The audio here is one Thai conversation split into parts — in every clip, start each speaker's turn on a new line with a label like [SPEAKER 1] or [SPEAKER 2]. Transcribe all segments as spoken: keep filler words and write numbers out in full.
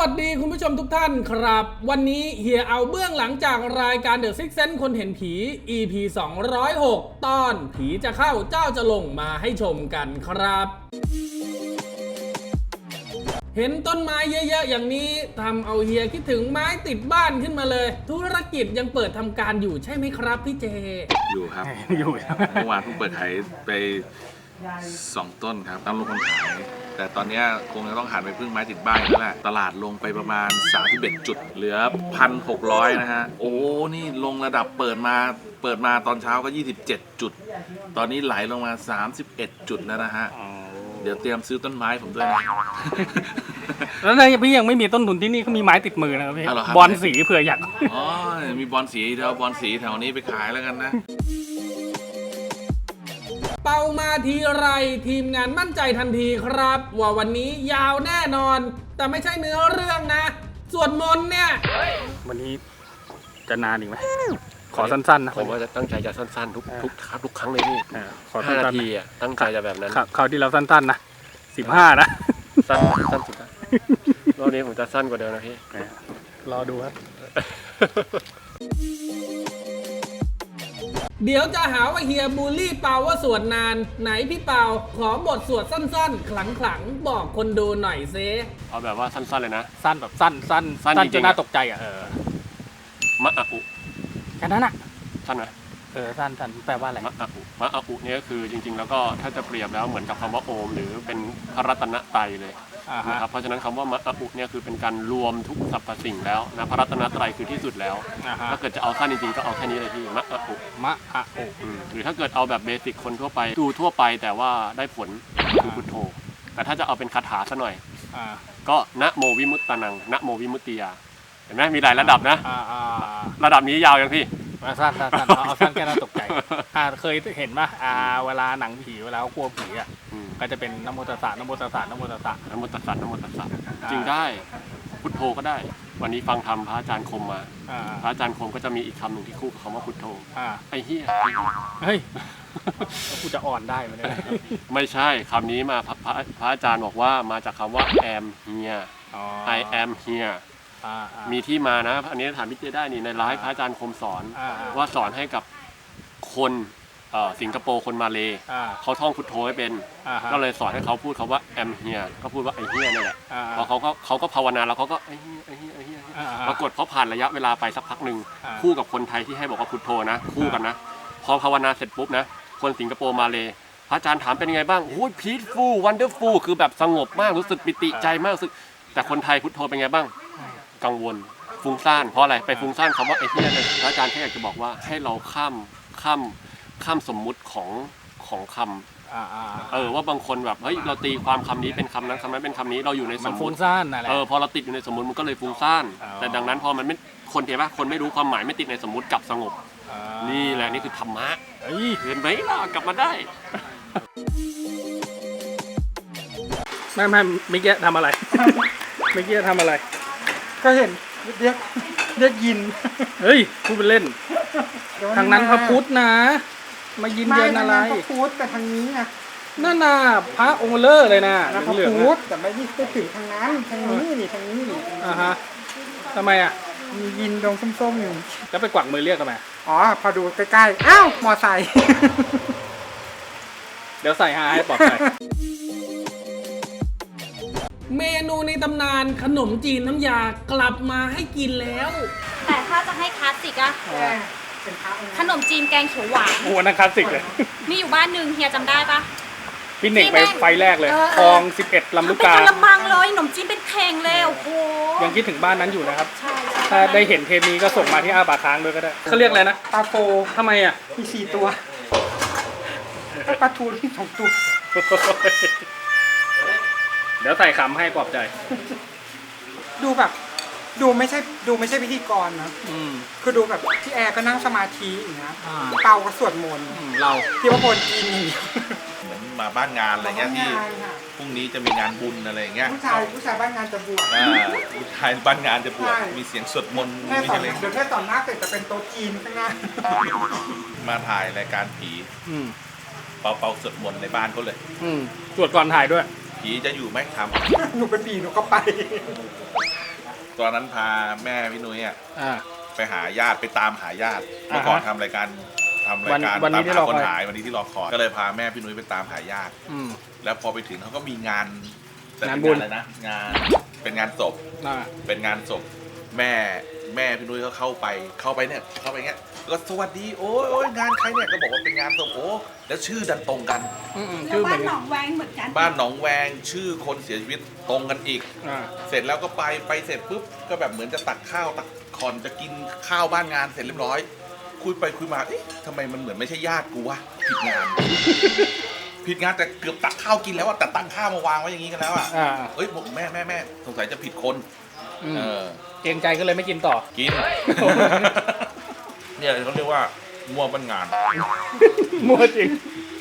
[SPEAKER 1] วัสดีคุณผู้ชมทุกท่านครับวันนี้เฮียเอาเบื้องหลังจากรายการ The Six Sense คนเห็นผี อี พี สองร้อยหก ตอนผีจะเข้าเจ้าจะลงมาให้ชมกันครับเห็นต้นไม้เยอะๆอย่างนี้ทำเอาเฮียคิดถึงไม้ติดบ้านขึ้นมาเลยธุรกิจยังเปิดทำการอยู่ใช่ไหมครับพี่เจ
[SPEAKER 2] อยู่ครับ
[SPEAKER 1] อยู่
[SPEAKER 2] เมื่อวานเพิ่งเปิดขายไปสองต้นครับตั้งลงคนขายแต่ตอนนี้คงจะต้องหันไปพึ่งไม้ติดบ้านแล้วแหละตลาดลงไปประมาณสามสิบเอ็ดจุดเหลือ หนึ่งพันหกร้อย นะฮะโอ้นี่ลงระดับเปิดมาเปิดมาตอนเช้าก็ยี่สิบเจ็ดจุดตอนนี้ไหลลงมาสามสิบเอ็ดจุดแล้วนะฮะเดี๋ยวเตรียมซื้อต้นไม้ผมด้วยนะ
[SPEAKER 1] แล้วพี่ยังไม่มีต้นทุนที่นี่เขามีไม้ติดมือนะครับพี่บอลสีเผื่ออยาก
[SPEAKER 2] อ๋อมีบอลสีแถวบอลสีแถวนี้ไปขายแล้วกันนะเป้ามาทีไรทีมงานมั่นใจทันทีครับว่าวันนี้ยาวแน่นอนแต่ไม่ใช่เนื้อเรื่องนะสวดมนต์เนี่ย
[SPEAKER 1] วันนี้จะนานอีกไหมขอสั้นๆนะ
[SPEAKER 3] ผมว่าจะตั้งใจจะสั้นๆทุกทุกทุกครั้งเลยพี่
[SPEAKER 1] ขอ
[SPEAKER 3] ห้านาทีอ่ะตั้งใจจะแบบนั้น
[SPEAKER 1] คราวที่เราสั้นๆนะสิบห้านะ
[SPEAKER 3] สั้นสั้นสุดรอบนี้ผมจะสั้นกว่าเดิมนะพี่
[SPEAKER 1] รอดูครับเดี๋ยวจะหาว่าเฮียบูลลี่เปาว่าสวดนานไหนพี่เปาขอบทสวดสั้นๆขลังๆบอกคนดูหน่อยเซ
[SPEAKER 3] เอาแบบว่าสั้นๆเลยนะ
[SPEAKER 1] สั้นแบบสั้นสั้นสั้นจนน่าตกใจอ่ะเออ
[SPEAKER 3] มะอะอุ
[SPEAKER 1] แค่นั้นอ่ะ
[SPEAKER 3] สั้นไหม
[SPEAKER 1] เออสั้นสั้นแปลว่าอะไร
[SPEAKER 3] มะอะอุมะอะอุเนี่ยก็คือจริงๆแล้วก็ถ้าจะเปรียบแล้วเหมือนกับคำว่าโอมหรือเป็นพระรัตนตรัยเลยนะครับเพราะฉะนั้นคำว่ามะอะอุเนี่ยคือเป็นการรวมทุกสรรพสิ่งแล้วนะพระรัตนตรัยคือที่สุดแล้วถ้าเกิดจะเอาสั้นจริงๆก็เอาแค่นี้เลยพี่มะอะอุ
[SPEAKER 1] มะอะอุ
[SPEAKER 3] หรือถ้าเกิดเอาแบบเบสิกคนทั่วไปดูทั่วไปแต่ว่าได้ผลคือพุทโธแต่ถ้าจะเอาเป็นคาถาซะหน่อยก็นะโมวิมุตตานังนะโมวิมุตติยาเห็นไหมมีหลายระดับนะระดับนี้ยาวยังพี่
[SPEAKER 1] สั้นสั้นเอาสั้นแค่น่าตกใจเคยเห็นป่ะเวลาหนังผีเวลาเขากลัวผีอ่ะก็จะเป็นนะโมตัสสะนะโมตัสสะนะโมตัสสะ
[SPEAKER 3] นะโมตัสสะนะโมตัสสะจริงได้พุทโธก็ได้วันนี้ฟังธรรมพระอาจารย์คมมาพระอาจารย์คมก็จะมีอีกคำหนึ่งที่คู่กับคำว่าพุทโธไอ้เหี้ย
[SPEAKER 1] เฮ้ยกูจะอ่อนได้ไหมเนี่ย
[SPEAKER 3] ไม่ใช่คำนี้มาพระอาจารย์บอกว่ามาจากคำว่า am here I am hereมีที่มานะอันนี้ถามพี่เจได้นี่ในไลฟ์พระอาจารย์คมสอนว่าสอนให้กับคนสิงคโปร์คนมาเลเขาท่องพุทโธให้เป็นก็เลยสอนให้เขาพูดคำว่า am here ก็พูดว่าไอ้เหี้ยนี่แหละพอเขาก็เขาก็ภาวนาแล้วเขาก็ไอ้เหี้ยไอ้เหี้ยไอ้เหี้ยปรากฏพอผ่านระยะเวลาไปสักพักหนึ่งคู่กับคนไทยที่ให้บอกว่าพุทโธนะคู่กันนะพอภาวนาเสร็จปุ๊บนะคนสิงคโปร์มาเลพระอาจารย์ถามเป็นยังไงบ้างโอ้ย peaceful wonderful คือแบบสงบมากรู้สึกปิติใจมากรู้สึกแต่คนไทยพุทโธเป็นไงบ้างกังวลฟุ้งซ่านเพราะอะไรไปฟุ้งซ่านคำว่าไอ้เหี้ยเนี่ยพระอาจารย์แค่อยากจะบอกว่าให้เราข้ามข้ามข้ามสมมุติของของคำเออว่าบางคนแบบเฮ้ยเราตีความคำนี้เป็นคำนั้นคำนั้นเป็นคำนี้เราอยู่ในสมมุติเออพอเราติดอยู่ในสมมุติมันก็เลยฟุ้งซ่านแต่ดังนั้นพอมันไม่คนเห็นป่ะคนไม่รู้ความหมายไม่ติดในสมมุติกลับสงบนี่แหละนี่คือธรรมะเห็นไหมล่ะกลับมาได้
[SPEAKER 1] ไม่ไม่เมื่อกี้ทำอะไรเมื่อกี้ทำอะไร
[SPEAKER 4] ก็เห็นเรียกเรียกยิน
[SPEAKER 1] เฮ้ยพูดเป็นเล่นทางนั้นพระพุทธนะมายินเยินอะไร
[SPEAKER 4] พระพุทธแต่ทางนี้ไง
[SPEAKER 1] นั่นน่ะพระองค์เลอเลยนะ
[SPEAKER 4] พระพุทธแต่ไม่ได้ถึงทางนั้นทางนี้นี่ทางนี้นี่
[SPEAKER 1] อ่าฮะทำไมอ่ะ
[SPEAKER 4] มียินดวงส้มๆอยู่
[SPEAKER 1] แล้วไปกวักมือเรียกทำไม
[SPEAKER 4] อ๋อพอดูใกล้ๆอ้าวมอไซค์
[SPEAKER 1] เดี๋ยวใส่ฮาให้ปลอดภัยเมนูในตำนานขนมจีนน้ำยากลับมาให้กินแล้ว
[SPEAKER 5] แต่ถ้าจะให้คลาสสิกอะขนมจีนแกงเขียวหวาน
[SPEAKER 1] โอ้นั่นคลาสสิกเลย
[SPEAKER 5] มีอยู่บ้านหนึ่งเฮียจำได้ปะ
[SPEAKER 1] พี่เน่งไปไฟแรกเลยคลองสิบเอ็ดลำลูกกา
[SPEAKER 5] เป็นกระมังเลยขนมจีนเป็นแข่งเลยโอ้โห
[SPEAKER 1] ยังคิดถึงบ้านนั้นอยู่นะครับถ้าได้เห็นเทปนี้ก็ส่งมาที่อาปากค้างด้วยก็ได้เขาเรียกอะไรนะ
[SPEAKER 4] ปลาโฟ
[SPEAKER 1] ทำไมอ่ะ
[SPEAKER 4] มีสี่ตัวปลาทูที่สองตัว
[SPEAKER 1] เดี๋ยวใส่คำให้ปลอบใจ
[SPEAKER 4] ดูแบบดูไม่ใช่ดูไม่ใช่พิธีกรนะคือดูแบบที่แอร์ก็นั่งสมาธิอย่างเงี้ยเปาก็สวดมนต์
[SPEAKER 1] เรา
[SPEAKER 4] ที่ว่าพลกิน
[SPEAKER 2] เหมือนมาบ้านงานอะไรเงี้ยที่พรุ่งนี้จะมีงานบุญอะไรเงี้ย
[SPEAKER 4] ผู้ชายผู้ชายบ้านงานจะบวช
[SPEAKER 2] ผู้ชายบ้านงานจะบวชมีเสียงสวดมนต์มี
[SPEAKER 4] อะไรเดี๋ยวแค่ตอนหน้าเสร็จจะเป็นโต๊ะจีนข้างหน้า
[SPEAKER 2] มาถ่ายรายการผีเปาเปาสวดมนต์ในบ้านเขาเลย
[SPEAKER 1] สวดก่อนถ่ายด้วย
[SPEAKER 2] ผีจะอยู่ไหมท
[SPEAKER 4] ำหนูเป็นผีหนูก็ไป
[SPEAKER 2] ตอนนั้นพาแม่พี่นุ้ยอ่ะ
[SPEAKER 1] อ่า
[SPEAKER 2] ไปหาญาติไปตามหาญาติเมื่อก่อนทำรายการทำรายการ
[SPEAKER 1] วันนี้
[SPEAKER 2] ตาม
[SPEAKER 1] ที่
[SPEAKER 2] หาร
[SPEAKER 1] อ
[SPEAKER 2] คน
[SPEAKER 1] คอย
[SPEAKER 2] หายวันนี้ที่รอคอยก็เลยพาแม่พี่นุ้ยไปตามหาญาติ
[SPEAKER 1] อืม
[SPEAKER 2] แล้วพอไปถึงเขาก็มีงานแต่
[SPEAKER 1] งาน
[SPEAKER 2] เป็
[SPEAKER 1] บุญ
[SPEAKER 2] อะไรนะงานเป็นงานศพ
[SPEAKER 1] อ่า
[SPEAKER 2] เป็นงานศพแม่แม่พี่นุ้ยก็เข้าไปเข้าไปเนี่ยเข้าไปเงี้ยก็สวัสดีโอ้ยโอ้ยงานใครเนี่ยก็บอกว่าเป็นงานศพโอ้แล้วชื่อดันตรงกัน
[SPEAKER 1] อืมอืม
[SPEAKER 6] แล้
[SPEAKER 1] ชื่
[SPEAKER 6] ว
[SPEAKER 1] อเหมื
[SPEAKER 6] บ้า
[SPEAKER 1] อน น
[SPEAKER 6] หนองแวงเหมือนกัน
[SPEAKER 2] บ้านหนองแวงชื่อคนเสียชีวิตตรงกันอีก
[SPEAKER 1] อ่า
[SPEAKER 2] เสร็จแล้วก็ไปไปเสร็จปุ๊บก็แบบเหมือนจะตักข้าวตักคอนจะกินข้าวบ้านงานเสร็จเรียบร้อย คุยไปคุยมาเอ๊ะทำไมมันเหมือนไม่ใช่ญาติกูวะผิดงาน ผิดงานแต่เกือบตักข้าวกินแล้วอะแต่ตั้งข้าวมาวางไว้อย่างนี้กันแล้วอะ
[SPEAKER 1] อ่า
[SPEAKER 2] เอ้ยบอกแม่แม่แม่สงสัยจะผิดคน
[SPEAKER 1] อืม
[SPEAKER 2] เออ
[SPEAKER 1] เกรงใจก็เลยไม่กินต่อ
[SPEAKER 2] กิน เนี่ยเขาเรียกว่ามั่วบ้านงาน
[SPEAKER 1] มั่วจริง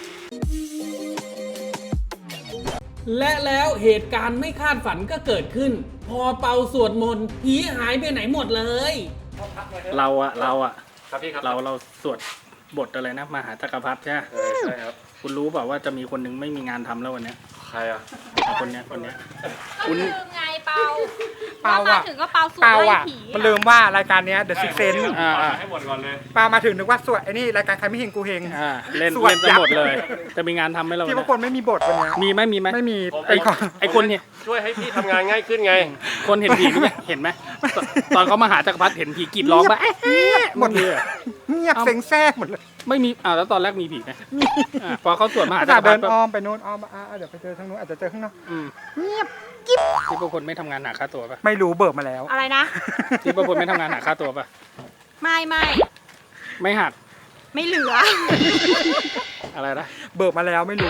[SPEAKER 1] และแล้วเหตุการณ์ไม่คาดฝันก็เกิดขึ้น พอเปาสวดมนต์ผีหายไปไหนหมดเลย เราอะเราอะ
[SPEAKER 3] ครับพี่ครับ
[SPEAKER 1] เราเราสวดบทอะไรนะมหาจักรพรรดิใช่ไหม
[SPEAKER 3] เออใช่ครับ
[SPEAKER 1] คุณรู้เปล่าว่าจะมีคนหนึงไม่มีงานทำแล้ววันเนี้ย
[SPEAKER 3] ใครอ่ะ
[SPEAKER 1] เอาคนเนี้ยคนเนี้ย
[SPEAKER 5] ก็
[SPEAKER 1] คุณ
[SPEAKER 5] ลืมไงเปา
[SPEAKER 4] เปา
[SPEAKER 5] มา
[SPEAKER 4] อะ
[SPEAKER 5] ถึงก็เปาสวด
[SPEAKER 4] เปา
[SPEAKER 5] ไล่
[SPEAKER 4] อ่ะ
[SPEAKER 5] ผี
[SPEAKER 4] มันลืมว่ารายการเนี้ย The Six Sense
[SPEAKER 1] อ่าอ่า
[SPEAKER 3] ให้หมดก่อนเลย
[SPEAKER 4] เปามาถึงนึกว่าสวดไอ้นี่รายการใครไม่เฮงกูเฮง
[SPEAKER 1] อ่าเล่น
[SPEAKER 4] สวด
[SPEAKER 1] เล่นจะ
[SPEAKER 4] ยับ
[SPEAKER 1] หมดเลย จะมีงานทำไหมเรา
[SPEAKER 4] ที่
[SPEAKER 1] เนี่ย
[SPEAKER 4] บางคนไม่มีบทวันเนี้ย
[SPEAKER 1] มีไหมมีไหม
[SPEAKER 4] ไม่มี
[SPEAKER 3] ผม
[SPEAKER 4] ไอ้คน
[SPEAKER 1] ไอคนเนี่ย
[SPEAKER 3] ช่วยให้พี่ทำงานง่ายขึ้นไง
[SPEAKER 1] คนเห็นผีไหมเห็นไหมตอนตอนเขามาหาจักรพรรดิเห็นผีกรีดร้องปะเอ๊ะ
[SPEAKER 4] หมดเลย
[SPEAKER 1] อะ
[SPEAKER 4] เงียบเซ็งแซ่หมดเลย
[SPEAKER 1] ไม่มีอ้าวแล้วตอนแรกมีผีไหมอ่าพอเขาสวดมหา
[SPEAKER 4] อา
[SPEAKER 1] จั
[SPEAKER 4] จาก
[SPEAKER 1] รพร
[SPEAKER 4] เดิ
[SPEAKER 1] ร
[SPEAKER 4] น
[SPEAKER 1] ดิ
[SPEAKER 4] อ้อมไปนู้นอ้อมอ่าเดี๋ยวไปเจอทางนู้นอาจจะเจอข้างนอก
[SPEAKER 1] อืม
[SPEAKER 4] เงียบ
[SPEAKER 1] ที่พวกคนไม่ทำงานหาค่าตัวปะ
[SPEAKER 4] ไม่รู้เบิกมาแล้ว
[SPEAKER 5] อะไรนะ
[SPEAKER 1] ที่พวกคนไม่ทำงานหาค่าตัวปะ
[SPEAKER 5] ไม่ไม่
[SPEAKER 1] ไม่หัก
[SPEAKER 5] ไม่เหลือ
[SPEAKER 1] อะไรนะ
[SPEAKER 4] เบิกมาแล้วไม่รู้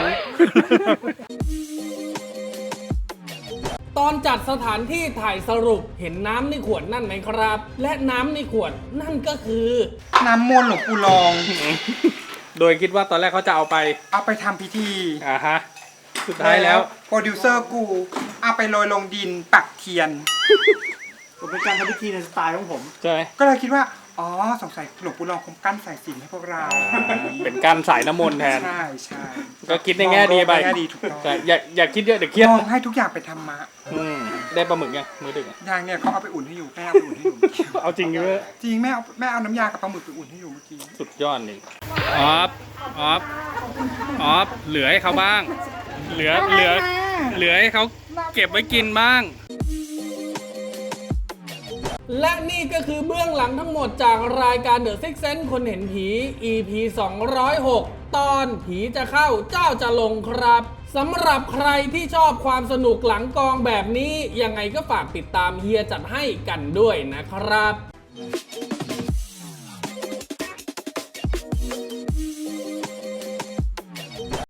[SPEAKER 1] ตอนจัดสถานที่ถ่ายสรุปเห็นน้ำในขวดนั่นไหมครับ และน้ำในขวดนั่นก็คือ
[SPEAKER 4] น้ำมนต์หลวงปู่รอง
[SPEAKER 1] โดยคิดว่าตอนแรกเขาจะเอาไป
[SPEAKER 4] เอาไปทำพิธี
[SPEAKER 1] อ่าฮะสุดท้ายแล้ว
[SPEAKER 4] โปรดิวเซอร์กูเอาไปโรยลงดินปักเทียน
[SPEAKER 7] ผมเป็นการทำพิธีในสไตล์ของผม
[SPEAKER 1] ใช่ไหม
[SPEAKER 4] ก็เลยคิดว่า อ๋อ สงสัยหลวงปู่รองคงกั้นสายสิญจน์ให้พวกเรา
[SPEAKER 1] เป็นการสายน้ำมนต์แทน
[SPEAKER 4] ใช่ใช่
[SPEAKER 1] ก็คิดในแง่ดีไป
[SPEAKER 4] มองโลกในแง่ดีถูกต้อง
[SPEAKER 1] แต่อย่าอย่าคิดเยอะเดี๋ยวเครียด
[SPEAKER 4] มองให้ทุกอย่างเป็นธรรมะ
[SPEAKER 1] อืมได้ปลาหมึกยังมือดึกอะ
[SPEAKER 4] อย่างเนี่ยเขาเอาไปอุ่นให้อยู่แม่เอาไปอุ่นให้อยู่
[SPEAKER 1] เอาจริงเลย
[SPEAKER 4] จริงแม่เอาแม่เอาน้ำยากับปลาหมึกไปอุ่นให้อยู่เมื่อกี้
[SPEAKER 1] สุดยอดนี่ออฟออฟออฟเหลือให้เขาบ้าง เหลือเหลือเหลือให้เขาเก็บไว้กินบ้าง และนี่ก็คือเบื้องหลังทั้งหมดจากรายการ The Six Sense คนเห็นผี อี พี สองร้อยหก ตอนผีจะเข้าเจ้าจะลงครับสำหรับใครที่ชอบความสนุกหลังกองแบบนี้ ยังไงก็ฝากติดตามเฮียจัดให้กันด้วยนะครับ